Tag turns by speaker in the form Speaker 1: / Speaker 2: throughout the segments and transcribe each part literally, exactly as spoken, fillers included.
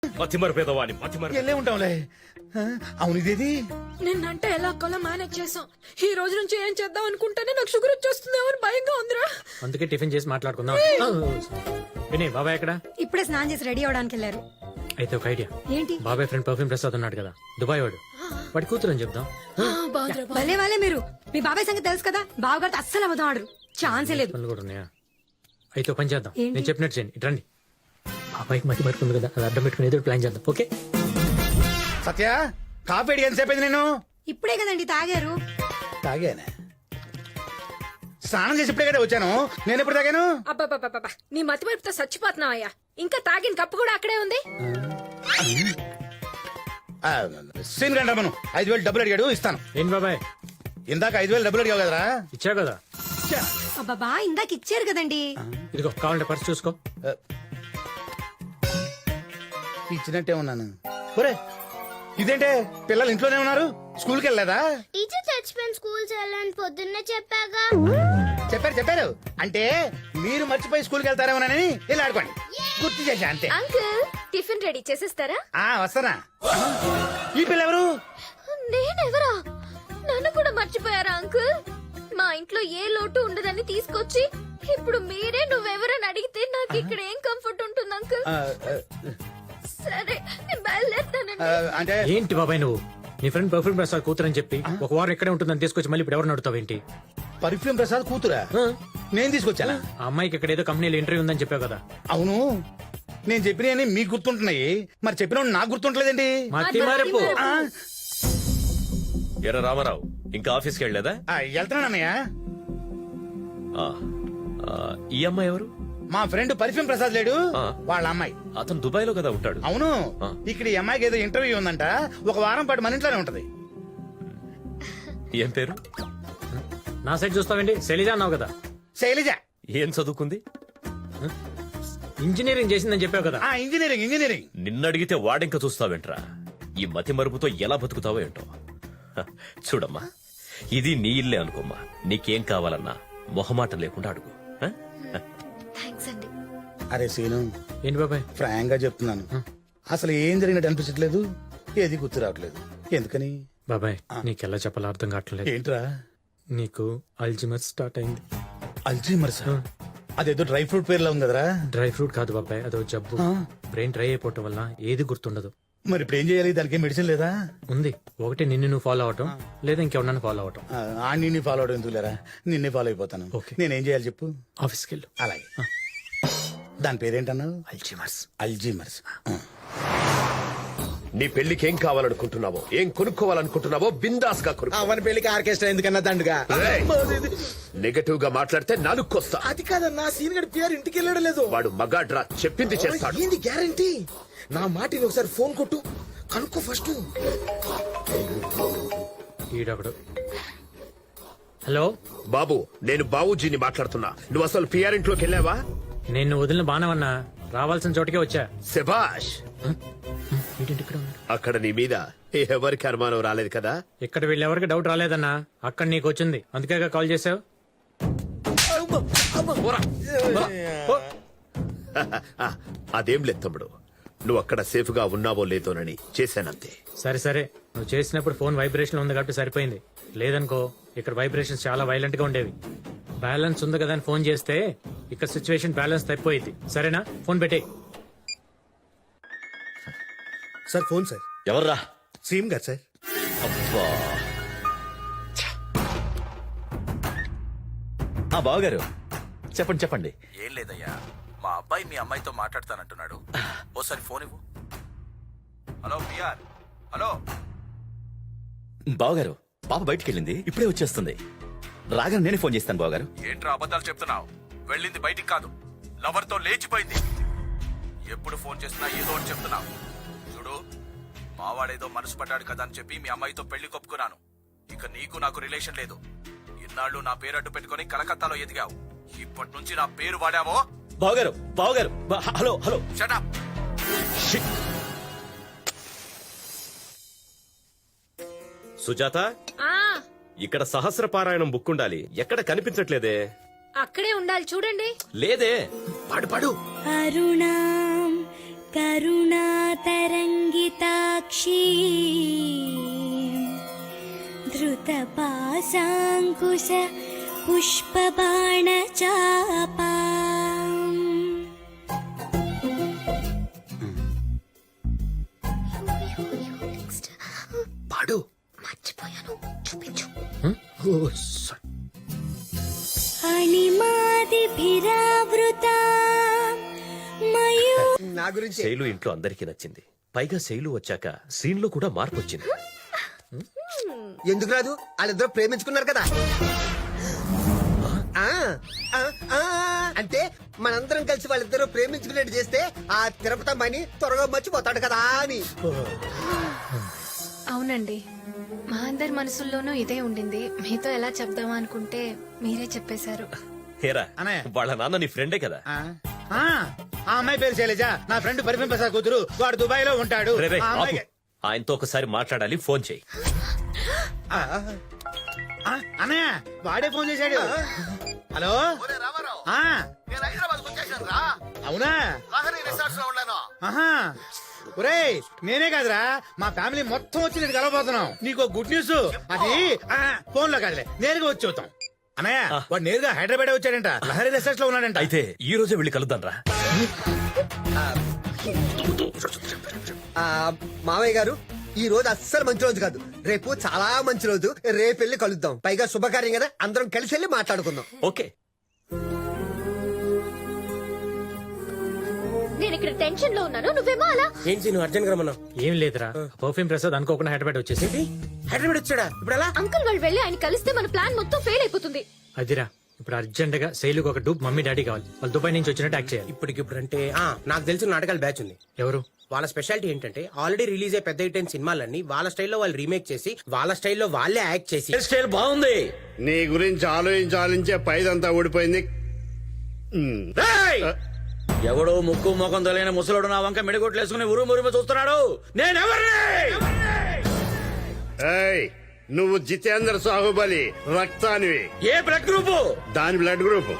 Speaker 1: మతిమరు పేదవాణి మతిమరు
Speaker 2: వెళ్ళే ఉంటాంలే. ఆ, అవును ఇదేది
Speaker 3: నిన్నంటే ఎలా కొలా మేనేజ్ చేసాం. ఈ రోజు నుంచి ఏం చేద్దాం అనుకుంటేనే నాకు షుగర్ వచ్చేస్తుందేమో అని భయంగా ఉందిరా.
Speaker 4: అందుకే టిఫిన్ చేసి మాట్లాడుకుందాం. వినయ్ బాబాయ్ ఎక్కడ?
Speaker 5: ఇప్పుడే స్నానం చేసి రెడీ అవడానికి వెళ్ళారు.
Speaker 4: అయితే ఒక ఐడియా.
Speaker 5: ఏంటి?
Speaker 4: బాబాయ్ ఫ్రెండ్ పర్ఫ్యూమ్ ప్రసాద్ ఉన్నాడు కదా, దుబాయ్ వాడు, వాడి కూతురు అని చెప్దాం.
Speaker 3: బాగుందిరా బాగుంది.
Speaker 5: భలే వాళ్ళే మీరు. మీ బాబాయ్ సంగతి తెలుసు కదా, బావగారితో అస్సలు అబద్ధం ఆడరు. ఛాన్సే లేదు.
Speaker 4: పనులు కూడా ఉన్నాయా? అయితే ఒక పని చేద్దాం,
Speaker 5: ఏంటి?
Speaker 4: నేను చెప్పినట్టు చేయండి. ఇటు రండి. బాబాయ్కి మతి పడుతుంది కదా, అది అడ్డం పెట్టుకుని ఏదో ప్లాన్ చేద్దాం. ఓకే?
Speaker 2: సత్య కాఫీ అడిగి ఎంతసేపు అయింది నేను
Speaker 5: ఇప్పుడే కదండి తాగారు.
Speaker 2: తాగానే స్నానం చేసి ఇప్పుడే కదా వచ్చాను. నేను ఎప్పుడు తాగాను?
Speaker 3: అబ్బబ్బబ్బబ్బ, నీ మతి వైపుతో చచ్చిపోతున్నావయ్యా. ఇంకా తాగిన కప్పు కూడా అక్కడే ఉంది.
Speaker 2: ఆ, సీన్ గంట మనం ఐదు వేలు డబ్బులు అడిగాడు, ఇస్తాను.
Speaker 4: ఏంటి బాబాయ్?
Speaker 2: ఇందాక ఐదు వేలు డబ్బులు అడిగావు కదరా?
Speaker 4: ఇచ్చా కదా.
Speaker 5: అబ్బాబా ఇందాక ఇచ్చారు కదండి.
Speaker 4: ఇదిగో కావాలంటే పర్స్ చూసుకో.
Speaker 2: ఇచ్చినట్టే ఉన్నాను. ఒరే ఇదేంటే పిల్లలు ఇంట్లోనే ఉన్నారు, స్కూల్కి వెళ్ళలేదా?
Speaker 6: టీచర్ చచ్చిపోయిన స్కూల్ చేయాలని పొద్దున్నే చెప్పాగా.
Speaker 2: చెప్పారు చెప్పారు అంటే మీరు మర్చిపోయి స్కూల్కి వెళ్తారేమోనని వెళ్ళి ఆడుకోండి, గుర్తు చేశా అంతే.
Speaker 3: అంకుల్ టిఫిన్ రెడీ చేసేస్తారా?
Speaker 2: ఆ వస్తానా. ఈ పిల్ల ఎవరు?
Speaker 3: నేనెవరా? నన్ను కూడా మర్చిపోయారా అంకుల్? మా ఇంట్లో ఏ లోటు ఉండదని తీసుకొచ్చి ఇప్పుడు మీరే నువ్వెవరని అడిగితే నాకు ఇక్కడ ఏం కంఫర్ట్ ఉంటుంది అంకుల్?
Speaker 2: ఆ, ఆ,
Speaker 3: సరే నేను బయలుదేరుతానండి.
Speaker 2: ఆ, అంటే
Speaker 4: ఏంటి బాబాయ్ నువ్వు నీ ఫ్రెండ్ పర్ఫ్యూమ్ ప్రసాద్ కూతురు అని చెప్పి ఒక వారం ఎక్కడే ఉంటుందని తీసుకొచ్చి మళ్ళీ ఇప్పుడు ఎవరు అడుగుతావేంటి?
Speaker 2: పర్ఫ్యూమ్ ప్రసాద్ కూతురా? నేను తీసుకొచ్చానా?
Speaker 4: ఆ అమ్మాయికి ఇక్కడ ఏదో కంపెనీలో ఇంటర్వ్యూ ఉందని చెప్పావు కదా.
Speaker 2: అవును నేను చెప్పినవి మీకు గుర్తుంటున్నాయి, మరి చెప్పిన నాకు గుర్తుంటలేదండి.
Speaker 4: మతి మరపు.
Speaker 2: ఆ,
Speaker 1: ఎర్ర రామారావు ఇంకా ఆఫీస్కి వెళ్ళలేదా?
Speaker 2: ఆ, వెళ్తున్నానన్నయ్య.
Speaker 1: ఆ, ఆ, ఈ అమ్మాయి ఎవరు?
Speaker 2: మా ఫ్రెండ్ పర్ఫ్యూమ్ ప్రసాద్ లేడు,
Speaker 1: ఆ.
Speaker 2: వాళ్ళ అమ్మాయి.
Speaker 1: అతను దుబాయ్ లో కదా ఉంటాడు.
Speaker 2: అవును
Speaker 1: ఆ.
Speaker 2: ఇక్కడ ఈ అమ్మాయికి ఏదో ఇంటర్వ్యూ ఉందంట, ఒక వారం పాటు మన ఇంట్లోనే ఉంటది.
Speaker 1: ఏం పేరు?
Speaker 4: నా సైడ్ చూస్తావేంటి? శైలజ అన్నావు కదా.
Speaker 2: శైలజ.
Speaker 1: ఏం చదువుకుంది?
Speaker 4: ఇంజనీరింగ్ చేసిందని చెప్పావు కదా.
Speaker 2: ఆ ఇంజనీరింగ్ ఇంజనీరింగ్.
Speaker 1: నిన్నడిగితే వాడింక చూస్తావేంట్రా? ఈ మతి మరుపుతో ఎలా బతుకుతావో ఏంటో. హ, చూడమ్మా, ఇది నీ ఇల్లే అనుకోమ్మా. నీకేం కావాలన్నా మొహమాట లేకుండా అడుగు. హ?
Speaker 3: థ్యాంక్స్ అండి.
Speaker 2: అరే సీను,
Speaker 4: ఏంటి బాబాయ్?
Speaker 2: ఫ్రాంక్ గా చెప్తున్నాను, అసలు ఏం జరిగినట్టు అనిపించట్లేదు, ఏది గుర్తు రావట్లేదు. ఎందుకని?
Speaker 4: బాబాయ్ నీకెలా చెప్పాలో అర్థం కావట్లేదు.
Speaker 2: ఏంట్రా?
Speaker 4: నీకు అల్జిమర్ స్టార్ట్ అయింది.
Speaker 2: అల్జీమర్స్? అదేదో డ్రై ఫ్రూట్ పేర్లా ఉంది కదరా?
Speaker 4: డ్రై ఫ్రూట్ కాదు బాబాయ్, అదో జబ్బు.
Speaker 2: ఆ.
Speaker 4: బ్రెయిన్ డ్రై అయిపోవటం వల్ల ఏది గుర్తుండదు.
Speaker 2: మరి ఇప్పుడు ఏం చేయాలి? దానికి మెడిసిన్ లేదా?
Speaker 4: ఉంది. ఒకటి నిన్ను నువ్వు ఫాలో అవటం, లేదా ఇంకెవరన్నా ఫాలో అవటం.
Speaker 2: ఆ, ఆ నిన్ను ఫాలో అవడం ఎందుకు లేరా, నిన్నే ఫాలో అయిపోతాను.
Speaker 4: ఓకే.
Speaker 2: నేనేం చేయాలి చెప్పు?
Speaker 4: ఆఫీస్కి వెళ్ళు.
Speaker 2: అలాగే. దాని పేరేంటన్నావు?
Speaker 4: అల్జిమర్స్.
Speaker 2: అల్జీమర్స్.
Speaker 7: నీ పెళ్లికి ఏం కావాలనుకుంటున్నావో, ఏం కొనుక్కోవాలనుకుంటున్నావో బిందాస్ గా కొనుక్కో.
Speaker 8: అవని పెళ్లికి ఆర్కెస్ట్రా ఎందుకన్నా దండుగా.
Speaker 7: నెగటివ్ గా మాట్లాడితే నాలుక్కొస్తా.
Speaker 8: అది కాదన్నా, సీన్ గడి పిఆర్ ఇంటికి వెళ్ళడం లేదు.
Speaker 7: వాడు మగాడ్రా, చెప్పింది చేస్తాడు.
Speaker 8: ఏంది గ్యారంటీ? నా మాటిని ఒకసారి ఫోన్ కొట్టు, కనుక్కో ఫస్ట్.
Speaker 4: ఈడొకడు. హలో
Speaker 7: బాబు, నేను బాబుజీని మాట్లాడుతున్నా. నువ్వు అసలు పిఆర్ ఇంట్లోకి వెళ్ళావా?
Speaker 4: నేను వదిలిన బాణమన్నా, రావాల్సిన చోటుకే వచ్చా.
Speaker 7: శభాష్.
Speaker 4: ఏంటి ఇక్కడ ఉన్నాడు?
Speaker 7: అక్కడ నీ మీద ఎవరికి అనుమానం రాలేదు కదా?
Speaker 4: ఇక్కడ వీళ్ళెవరికి డౌట్ రాలేదన్నా, అక్కడ నీకు వచ్చింది, అందుకే కాల్ చేసావు.
Speaker 7: ఆ, అదేం లేదు తమ్ముడు, నువ్వు అక్కడ సేఫ్ గా ఉన్నావో లేదోనని చేశానంతే.
Speaker 4: సరే సరే, నువ్వు చేసినప్పుడు ఫోన్ వైబ్రేషన్ ఉంది కాబట్టి సరిపోయింది. లేదనుకో ఇక్కడ వైబ్రేషన్స్ చాలా వైలెంట్ గా ఉండేవి. బ్యాలెన్స్ ఉంది కదా అని ఫోన్ చేస్తే ఇక్కడ సిచ్యువేషన్ బ్యాలెన్స్ తప్పిపోయింది. సరేనా? ఫోన్ పెట్టే.
Speaker 8: Sir phone sir.
Speaker 1: ఎవర్రా?
Speaker 8: సీఎం గారు సార్.
Speaker 1: అబ్బా. ఆ బావగారు చెప్పండి చెప్పండి.
Speaker 9: ఏం లేదయ్యా, మా అబ్బాయి మీ అమ్మాయితో మాట్లాడతానంటున్నాడు. ఓసారి ఫోన్ ఇవ్వు. Hello PR. హలో
Speaker 1: బావగారు, పాప బయటికి వెళ్ళింది, ఇప్పుడే వచ్చేస్తుంది. రాగానే నేనే ఫోన్ చేస్తాను బావగారు.
Speaker 9: ఏంట్రా అబద్ధాలు చెప్తున్నావు? వెళ్ళింది బయటికి కాదు, లవర్ తో లేచిపోయింది. ఎప్పుడు ఫోన్ చేసినా ఏదో ఒకటి చెప్తున్నావు. చూడు, మావాడేదో మనసు పడ్డాడు కదా అని చెప్పి మీ అమ్మాయితో పెళ్లి కొప్పుకున్నాను. ఇక నీకు నాకు రిలేషన్ లేదు. ఇన్నాళ్ళు నా పేరు అడ్డు పెట్టుకుని కలకత్తాలో ఎదిగావు. ఇప్పటి నుంచి నా పేరు వాడావో.
Speaker 1: బావగారు బావగారు బా- hello hello.
Speaker 9: Shut up.
Speaker 1: Sujatha,
Speaker 3: ఆ
Speaker 1: ఇక్కడ సహస్ర పారాయణం బుక్ ఉండాలి, ఎక్కడ కనిపించట్లేదే.
Speaker 3: అక్కడే ఉండాలి చూడండి.
Speaker 1: లేదే.
Speaker 7: పాడు పాడు.
Speaker 6: అరుణాం కరుణాతరంగితాక్షి ధృతపాశాంకుశ పుష్పబాణచాపా
Speaker 7: పాడు.
Speaker 3: మర్చిపోయాను, చూపించు.
Speaker 7: ఓ, స-
Speaker 6: అణిమాదిభిరావృతా మయూ
Speaker 2: నా గురించి
Speaker 1: శైలు ఇంట్లో అందరికీ నచ్చింది. పైగా శైలు వచ్చాక సీన్ లో కూడా మార్పు వచ్చింది.
Speaker 2: ఎందుకు రాదు? వాళ్ళిద్దరూ ప్రేమించుకున్నారు కదా. ఆ, ఆ, ఆ, అంటే మనందరం కలిసి వాళ్ళిద్దరూ ప్రేమించుకునేట్టు చేస్తే ఆ తిరుపతమ్మని త్వరగా మర్చిపోతాడు కదా అని.
Speaker 10: అవునండి, మా అందరి మనసుల్లోనూ ఇదే ఉండింది. మీతో ఎలా చెప్దామా అనుకుంటే మీరే చెప్పేశారు.
Speaker 1: హేరా,
Speaker 2: అన్నయ్య.
Speaker 1: వాళ్ళ నాన్న నీ ఫ్రెండే కదా.
Speaker 2: ఆ, ఆ, ఆ అమ్మాయి పేరు శైలజ, నా ఫ్రెండ్ పరిమళ ప్రసాద్ కూతురు. వాడు దుబాయ్ లో ఉంటాడు.
Speaker 1: రే, రే,
Speaker 2: ఆ
Speaker 1: ఆపు.
Speaker 2: అమ్మాయికి-
Speaker 1: ఆయనతో ఒకసారి మాట్లాడాలి, ఫోన్ చేయి.
Speaker 2: ఆ, ఆ, అన్నయ్య వాడే ఫోన్ చేశాడు. హలో. ఆ, అవునా? ఆహా. ఒరేయ్, నేనే కాదురా, మా ఫ్యామిలీ మొత్తం వచ్చి నేను కలవబోతున్నాం. నీకు గుడ్ న్యూస్. అది ఫోన్ లో కాదులే, నేరుగా వచ్చి చూద్దాం. అన్నయ్య వాడు నేరుగా హైదరాబాద్ వచ్చాడంట. లహరి రిసార్ట్స్ లో ఉన్నాడంట.
Speaker 1: అయితే ఈ రోజే వెళ్ళి కలుద్దాం రా.
Speaker 2: ఆ, మావయ్య గారు, ఈ రోజు అస్సలు మంచి రోజు కాదు. రేపు చాలా మంచి రోజు. రేపు వెళ్ళి కలుద్దాం. పైగా శుభకార్యం కదా, అందరం కలిసి వెళ్ళి మాట్లాడుకుందాం.
Speaker 1: ఓకే.
Speaker 3: నేను ఇక్కడ టెన్షన్ లో ఉన్నాను, నువ్వేమో అలా.
Speaker 8: ఏంటి నువ్వు అర్జెంట్ గా రమ్మన్నావు?
Speaker 4: ఏం లేదురా, పర్ఫ్యూమ్ ప్రసాద్ అనుకోకుండా హైదరాబాద్ వచ్చేసి
Speaker 8: హైదరాబాద్ వచ్చాడా? ఇప్పుడు ఎలా?
Speaker 3: అంకుల్ వాళ్ళు వెళ్ళి ఆయన కలిస్తే మన ప్లాన్ మొత్తం ఫెయిల్ అయిపోతుంది.
Speaker 4: అదిరా, ఇప్పుడు అర్జెంట్ గా శైలుకి ఒక డూప్ మమ్మీ డాడీ కావాలి. వాళ్ళు దుబాయ్ నుంచి వచ్చినట్టు యాక్ట్ చేయాలి.
Speaker 8: ఇప్పటికిప్పుడు అంటే ఆ, నాకు తెలిసిన నాటకాల బ్యాచ్ ఉంది.
Speaker 4: ఎవరు?
Speaker 8: వాళ్ళ స్పెషాలిటీ ఏంటంటే ఆల్రెడీ రిలీజ్ అయ్యే పెద్ద హిట్ అయిన సినిమాలన్నీ వాళ్ళ స్టైల్లో వాళ్ళు రీమేక్ చేసి వాళ్ళ స్టైల్లో వాళ్ళే యాక్ట్ చేసి
Speaker 1: స్టైల్ బాగుంది.
Speaker 7: నీ గురించి ఆలోచించి ఆలోచించే పైదంతా ఊడిపోయింది. ఉమ్.
Speaker 11: ఎవడో ముక్కు ముఖం తెలియని ముసలోడు నా వంక మెడిగొట్లు వేసుకుని ఉరుము ఉరుము చూస్తున్నాడు. నేనెవరిని?
Speaker 7: ఏయ్, నువ్వు జితేంద్ర సాహుబలి రక్తానివి.
Speaker 11: ఏ బ్లడ్ గ్రూపు?
Speaker 7: దాని బ్లడ్ గ్రూప్.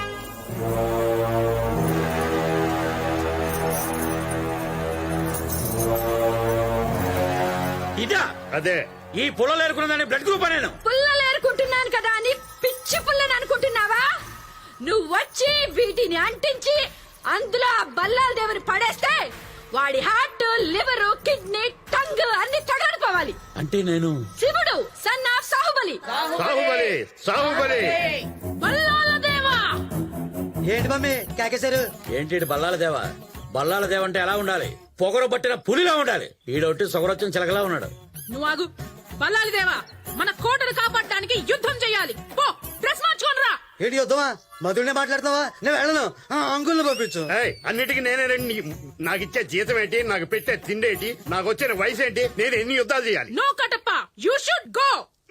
Speaker 11: ఇదా?
Speaker 7: అదే.
Speaker 11: ఈ పుల్లలు ఏరుకున్నదాన్ని బ్లడ్ గ్రూప్ నేను.
Speaker 5: పుల్లలు ఏరుకుంటున్నాను కదా అని పిచ్చి పుల్లని అనుకుంటున్నావా? నువ్వు వచ్చి వీటిని అంటించి అందులో ఆ బల్లాల దేవుని పడేస్తే వాడి హార్ట్, లివర్, కిడ్నీ, టంగ్ అన్ని తగలడిపోవాలి.
Speaker 11: అంటే నేను
Speaker 5: శివుడు సన్ ఆఫ్ సాహుబలి.
Speaker 7: సాహుబలి సాహుబలి
Speaker 5: బల్లాల దేవా.
Speaker 2: ఏంటి మమ్మీ కాకేశారు?
Speaker 11: ఏంటి బల్లాల దేవా? బల్లాల దేవ అంటే ఎలా ఉండాలి? పొగరు పట్టిన పులిలా ఉండాలి. ఈడొట్టి సొగరొచ్చిన చిలకలా ఉన్నాడు.
Speaker 5: నువ్వు ఆగు. బల్లాల దేవా, మన కోటను కాపాడడానికి యుద్ధం చేయాలి. పో, డ్రెస్ మార్చుకోనరా.
Speaker 2: ఏంటి వద్దామా? మధుడినే మాట్లాడతావా? నేను వెళ్ళను. అంకుల్ని పంపించు.
Speaker 7: ఏయ్, అన్నిటికీ నేనే రండి. నాకు ఇచ్చే జీతం ఏంటి? నాకు పెట్టే తిండి ఏంటి? నాకు వచ్చిన వయసు ఏంటి? నేను ఎన్ని యుద్ధాలు చేయాలి?
Speaker 5: No Kattappa, you should go.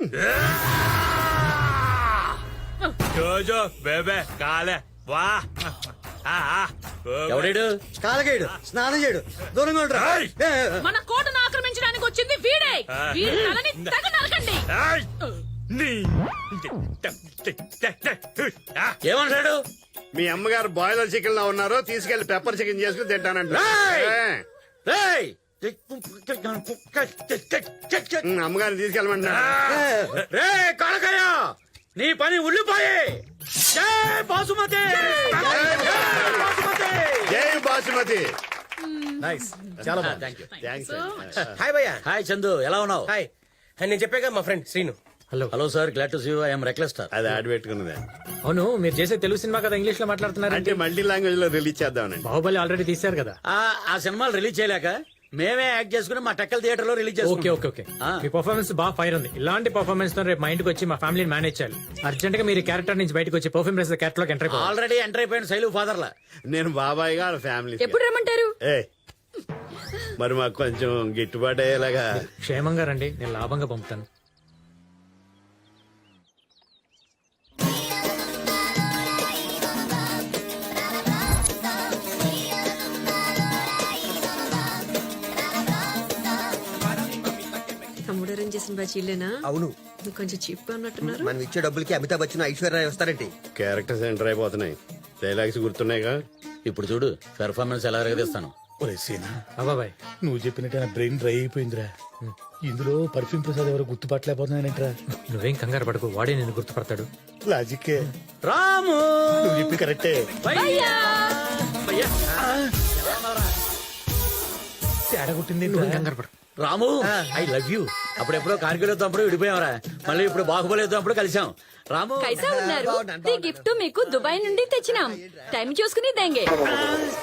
Speaker 11: ఎవడేడు?
Speaker 2: కాలకేయుడు, స్నానం చేయడు, దూరంగా ఉండరా.
Speaker 5: మన కోటను ఆక్రమించడానికి వచ్చింది వీడే. వీడి తలని తెగ నరకండి.
Speaker 11: ఏమంటాడు?
Speaker 7: మీ అమ్మగారు బాయిలర్ చికెన్ లో ఉన్నారో తీసుకెళ్లి పెప్పర్ చికెన్ చేసుకుని తింటానంట.
Speaker 11: రేయ్! రేయ్!
Speaker 7: ఉమ్, అమ్మగారిని తీసుకెళ్ళమంటున్నా.
Speaker 11: రే కాలకయ్య, నీ పని ఉల్లిపాయే. జై బాసుమతి! జై బాసుమతి!
Speaker 7: జై బాసుమతి.
Speaker 8: చాలా
Speaker 11: థ్యాంక్ యూ.
Speaker 8: హాయ్ భయ్యా.
Speaker 11: హాయ్ చందు, ఎలా ఉన్నావు?
Speaker 8: హాయ్. నేను చెప్పాగా మా friend Srinu.
Speaker 4: Hello.
Speaker 11: Hello sir, glad to see you. I'm reckless star.
Speaker 7: అది ఆడి పెట్టుకున్నదే.
Speaker 4: అవును, మీరు చేసే తెలుగు సినిమా కదా ఇంగ్లీష్ లో మాట్లాడుతున్నారు.
Speaker 7: అంటే మల్టీ లాంగ్వేజ్ లో రిలీజ్ చేద్దామనండి.
Speaker 4: బాహుబలి ఆల్రెడీ తీశారు కదా.
Speaker 11: ఆ ఆ సినిమాలు రిలీజ్ చేయలేక మేమే యాక్ట్ చేసుకుని మా టెక్కల్ థియేటర్ లో రిలీజ్
Speaker 4: ఓకే
Speaker 11: చేసుకున్నాం.
Speaker 4: ఓకే ఓకే
Speaker 11: ఆ.
Speaker 4: మీ పర్ఫార్మెన్స్ బాగా ఫైర్ ఉంది. ఇలాంటి పర్ఫార్మెన్స్ తో రేపు మా ఇంటికి వచ్చి మా ఫ్యామిలీని మేనేజ్ చేయాలి. అర్జెంట్ గా మీరు క్యారెక్టర్ నుంచి బయటకు వచ్చి పర్ఫ్యూమ్ రేస్ క్యారెక్టర్ లోకి ఎంటర్ అయిపోవాలి.
Speaker 11: ఆల్రెడీ ఎంటర్ అయిపోయిన శైలు ఫాదర్ లా.
Speaker 7: నేను బాబాయ్ గా ఫ్యామిలీ.
Speaker 5: ఎప్పుడు రమ్మంటారు?
Speaker 7: ఏ మరి మాకు కొంచెం గిట్టుబాటు అయ్యేలాగా.
Speaker 4: క్షేమంగా రండి, నేను లాభంగా పంపుతాను.
Speaker 5: తమ్ముడు అరేంజ్ చేసిన బ్యాచ్ ఇల్లేనా?
Speaker 2: అవును.
Speaker 5: నువ్వు కొంచెం చీప్ గా ఉన్నట్టున్నారు.
Speaker 2: మనం ఇచ్చే డబ్బులకి అమితాబ్ బచ్చన్, ఐశ్వర్య వస్తారండి.
Speaker 7: క్యారెక్టర్స్ ఎంటర్ అయిపోతున్నాయి. డైలాగ్స్ గుర్తున్నాయిగా.
Speaker 11: ఇప్పుడు చూడు పెర్ఫార్మెన్స్ ఎలా ఎరగదీస్తాను.
Speaker 2: ఒరే సీనా
Speaker 4: అబ్బాబాయ్
Speaker 2: నువ్వు చెప్పినట్టు నా బ్రెయిన్ డ్రై అయిపోయిందిరా ఇందులో పర్ఫ్యూమ్ ప్రసాద్ ఎవరు గుర్తుపట్టలేకపోతున్నానంటరా
Speaker 4: నువ్వేం కంగారు పడకు వాడే నేను గుర్తుపడతాడు.
Speaker 2: లాజిక్కే
Speaker 11: రాము
Speaker 2: నువ్వు చెప్పి కరెక్టే. తేడా కొట్టింది
Speaker 4: నువ్వేం కంగారు పడకు.
Speaker 11: Ramu I love you. అప్పుడెప్పుడో కార్గిల్ యుద్ధప్పుడు విడిపోయావరా, మళ్ళీ ఇప్పుడు బాహుబలి యుద్ధప్పుడు కలిసాం. రాము
Speaker 5: కైసా ఉన్నారు ఈ గిఫ్ట్ మీకు దుబాయ్ నుండి తెచ్చినాం. టైం చూసుకుని దేంగే.